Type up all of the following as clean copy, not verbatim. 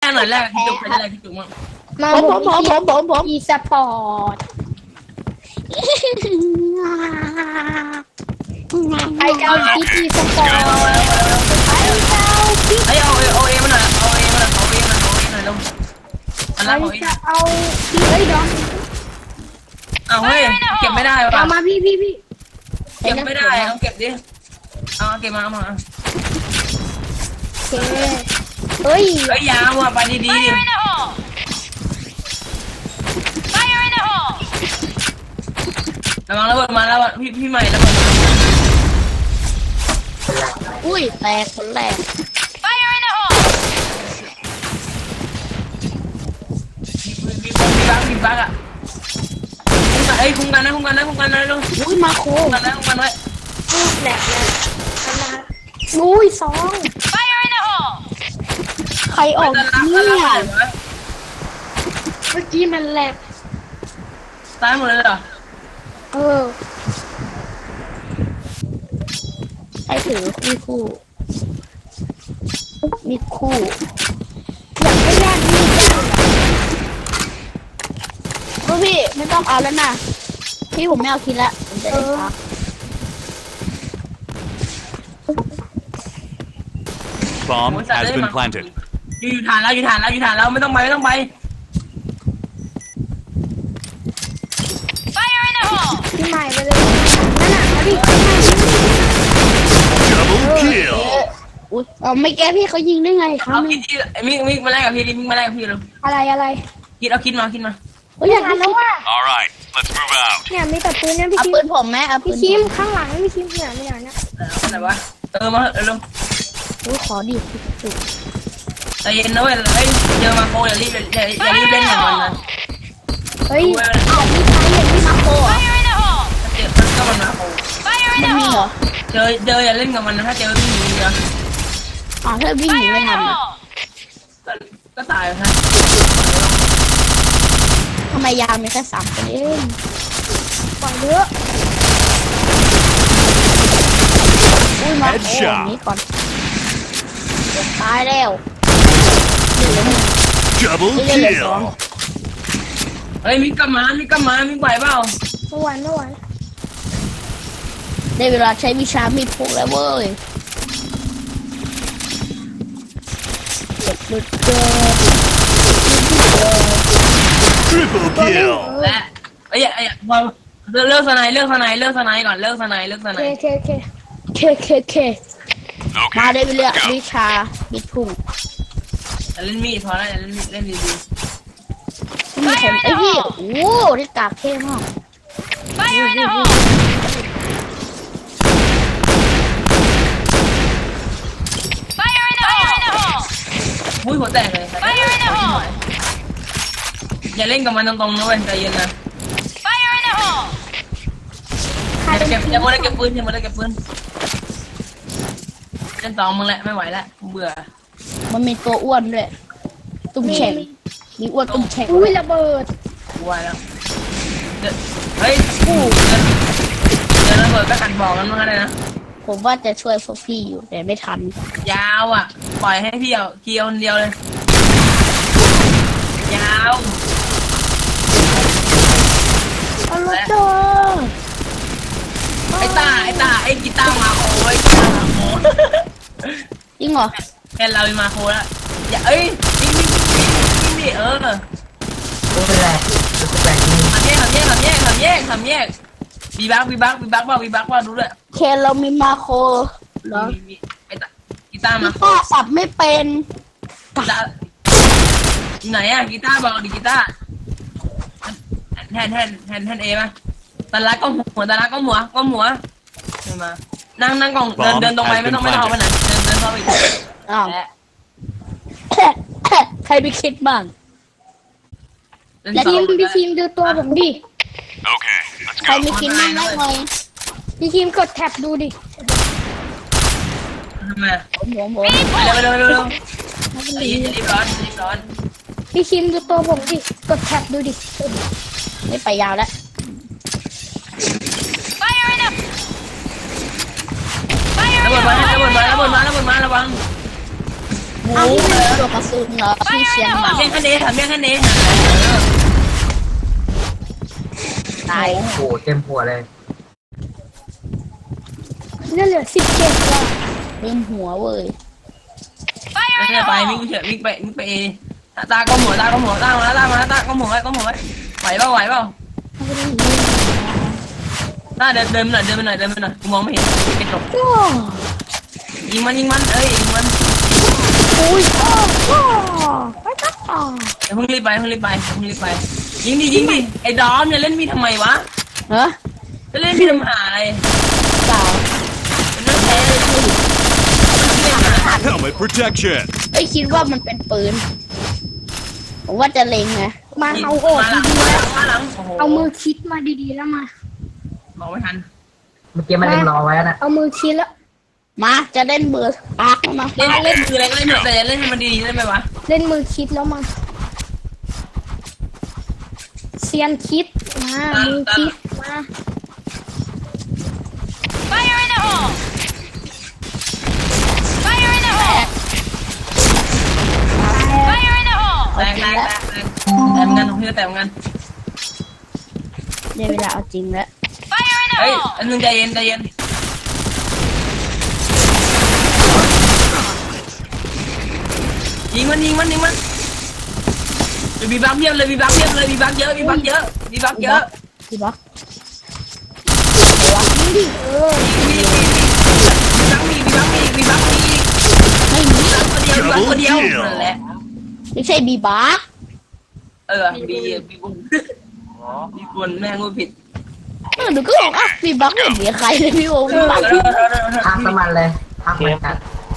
หน่อยแรกพี่จุกใครจะแรกพี่จุกมั้งมาผมอีสปอร์ตไอเจ้าอีสปอร์ตไอเจ้าไอ้เอาเอมันหน่อยเอาเอมันหน่อยลงอันนั้นของเอจะเอาเฮ้ยดองเอาเฮ้ยเก็บไม่ได้ว่ะเอามาพี่เก็บไม่ได้เอาเก็บดิเอาเก็บมาเอามาโอเคเฮ้ยเฮ้ยยาวอ่ะไปดีดิระวังระเบิดมาแล้วพี่ใหม่ระเบิดมาอุ้ยแตกคนแรกมีบักอ่ะเฮ้ยคุ้มกันนะลูกอุ้ยมาโคคุ้มกันไว้แหลกเลยอุ้ยสองใครออกเนี่ยเมื่อกี้มันแหลกตายหมดเลยเหรอใครถือคู่มีคู่อยากให้แลกมีดพี่ไม่ต้องเอาแล้วนะพี่ผมไม่เอาคิดละผมจะได้พัก Bomb has been planted. อยู่ฐานแล้วไม่ต้องไปพี่ใหม่ไปเลยนั่นน่ะมาดิ Double kill. อุ้ยไม่แก้พี่เขายิงได้ไงครับเอาคิดมิกมาแลกกับพี่มิกมาแลกกับพี่เลยอะไรคิดเอาคิดมาเฮ้ยอยากได้แล้วว่า All right, let's move out. เนี่ยมีแต่ปืนเนี่ยพี่เอาคิมปืนผมไหมเอาปืพี่นคิมข้างหลังพี่คิมเนี่ยเนี่ยไหนวะมาเร็วอุ้ยขอดิใจเย็นนะเว้ยเฮ้ยเจอมาโคอย่ารีบเล่นอย่างมันนะเฮ้ยอยากมีใครอยากมีมาโคเหรอเจอก็มันมาโคมันมีเหรอเจออย่าเล่นกับมันนะถ้าเจอวิ่งหนีเดียวอ๋อถ้าวิ่งหนีไม่ทันอ่ะก็ตายฮะทำไมยาวมีแค่3 คนเองปล่อยเยอะอุ้ยมาโคนี้ก่อนตายแล้ว Double ไม่เล่นเลยสอง kill. เฮ้ยมิกไหวเปล่าเมื่อวานได้เวลาใช้วิชามีดพกแล้วเว้ยเจ็บลึกเกิน Triple kill. และไอ้พอเลิกสไนก่อนเลิกสไนเคมาได้ไปเลือกวิชามีดพุ่งเล่นมีดพอแล้วเล่นดีมีแถมไอ้พี่โอ้โหที่กากเท่มากมุ้ยหัวแตกเลยอย่าเล่นกับมันตรงๆนะเว้ยใจเย็นนะอย่ามัวแต่เก็บปืนเล่น2มึงแหละไม่ไหวแล้วเบื่อมันมีตัวอ้วนด้วยตุ้มแฉ่งมีอ้วนตุ้มแฉ่งอุ้ยระเบิดกลัวแล้วเฮ้ยเดี๋ยวระเบิดก็กันบอกกันมาเลยนะผมว่าจะช่วยพวกพี่อยู่แต่ไม่ทันยาวอ่ะปล่อยให้พี่เอาเคียวคนเดียวเลยยาวเอารถโดนไอ้กีตาร์มาโอ้ยจริงเหรอแค่เรามาโคแล้วอย่ายิงดิโอ้เป็นไรทำแยกบีบักว่าดูด้วยเคนเรามีมาโคเหรอไอ้กีตาร์มาพี่ป้าสับไม่เป็นไหนอ่ะกีตาร์บอกดิกีตาร์แทนเอป่ะตาลักก็หัวเดินมานั่งกล่องเดินตรงไปไม่ต้องเข้าไปไหนเดินเข้าไปอ้าวใครไปคิดบ้างพี่คิมดูตัวผมดิ Okay, let's ใคร go. ไม่คิดบ้างได้ไหมพี่คิมกดแท็บดูดิทำไมผมเร็วรีบร้อนพี่คิมดูตัวผมดิกดแท็บดูดิไม่ไปยาวแล้วระเบิดมาระวังมเอาที่มันตัวกระสุนเหรอพี่เชียงถามเรื่องแค่นี้ถามเรื่องแค่นี้ตายโอ้โหเต็มหัวเลยเนี่ยเหลือ17ว่ะเต็มหัวเว้ยไม่ใช่ไปวิ่งเฉยวิ่งไปเอตาก็หมดตาก็หมดตามาตามาตาก็หมดไว้ก็หมดไว้ไหวเปล่าไหวเปล่าตาเดินไปหน่อยกูมองไม่เห็นกระจกโอ้ยิงมันเอ้ยยิงมันยโอ้ไปตัดต่อเพิ่งรีบไปยิงดิไอ้ดอมเนี่ยเล่นมีทำไมวะเหรอจะเล่นมีทำหาอะไรเปล่ามันไม่แพ้เลย Helmet protection. ไอ้ยคิดว่ามันเป็นปืนผมว่าจะเล็งไงมาเอาโอดมาหลังดีๆแล้วมาหลังโอ้โหเอามือคิดมาดีๆแล้วมาบอกไม่ทันเมื่อกี้มันเล็งรอไว้นะเอามือคิดแล้วมาจะเล่นเบอร์ปากแล้วมาเล่นคืออะไรก็เล่นเถอะแต่เล่นให้มันดีๆได้ไหมวะเล่นมือคิดแล้วมาเซียนคิดมามือคิดมาแรงแต่งานตรงนี้แต่งานได้เวลาเอาจริงแล้วเฮ้ยอันนึงใจเย็นยิงมันบีบักเยอะเลยบีบักเยอะพี่บล็อกยิงดิยิงดิบีบักมีไม่มีตัวเดียวนั่นแหละไม่ใช่บีบาร์บีบนแม่งกูผิดหนูก็บอกอ่ะบีบาร์ไม่มีใครเลยพี่โอ้บีบาร์พักน้ำมันเลยพักเหมือนกัน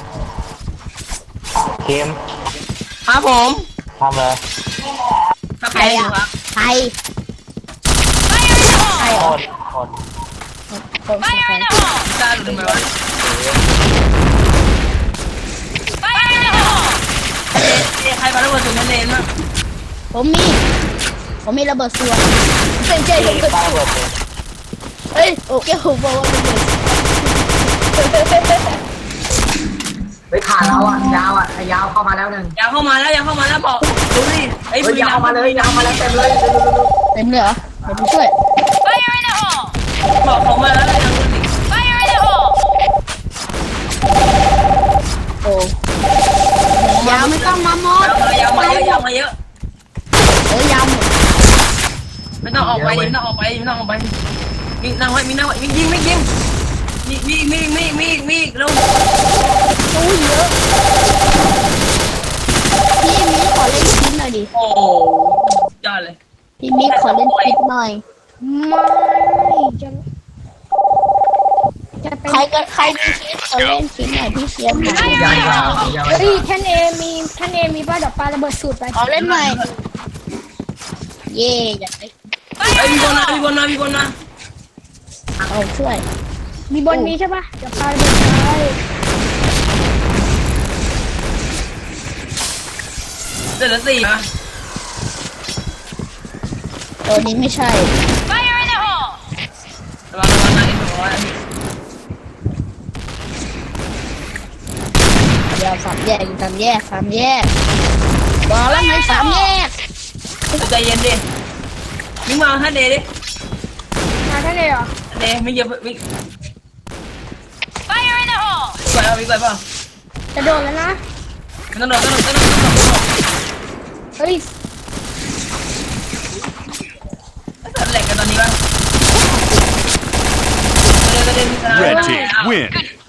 เค็มครับผมทำเลยถ้าใครครับใครใครโคอ๋อตรโคตรคนใครกล้าหรือไม่วะใครมาแล้วมาถึงนั่นเองมั้งผมมีระเบิดส่วนเป็นใจผมก็ป้าเบิดเลยเฮ้ยโอเคผมบอกว่าระเบิดไปขาเราอ่ะยาวอ่ะยาวเข้ามาแล้วหนึ่งอยากเข้ามาแล้วบอกดูดิไอ้เฮ้ยยาวมาเลยยาวมาแล้วเต็มเลยเต็มเลยเหรอเดี๋ยวผมช่วยบอกเขามาแล้วยังดูดิโอ้ยาวไม่ต้องมาหมดยาวมาเยอะยาวหมดไม่ต้องออกไปวิ่งนั่งไว้วิ่งยิงมีลงโอ้ยเยอะพี่มิกขอเล่นคลิปหน่อยดิโอ้ยอดเลยพี่มิกขอเล่นคลิปหน่อยไม่จะเป็นใครมีคลิปขอเล่นคลิปหน่อยพี่เชียร์หน่อยยาวยาวยาวเฮ้ยท่านเอมีป้าดอกปลาระเบิดสูตรไปขอเล่นหน่อยเย่อยากได้ไอ้มีคนมาเอาช่วยมีบนนี้ใช่ปะดอกปลาระเบิดไปเดือดสี่มาตัวนี้ไม่ใช่ระวังนะไอ้ตัวนี้เดี๋ยวสามแยกบอกแล้วไงสามแยกใจเย็นดิวิ่งมาท่านเดดิมาท่านเอเหรอเดไม่เยอะวิ่งไปเปล่าจะโดนแล้วนะต้องโดดเฮ้ยแหลกกันตอนนี้ป่ะ Red team win.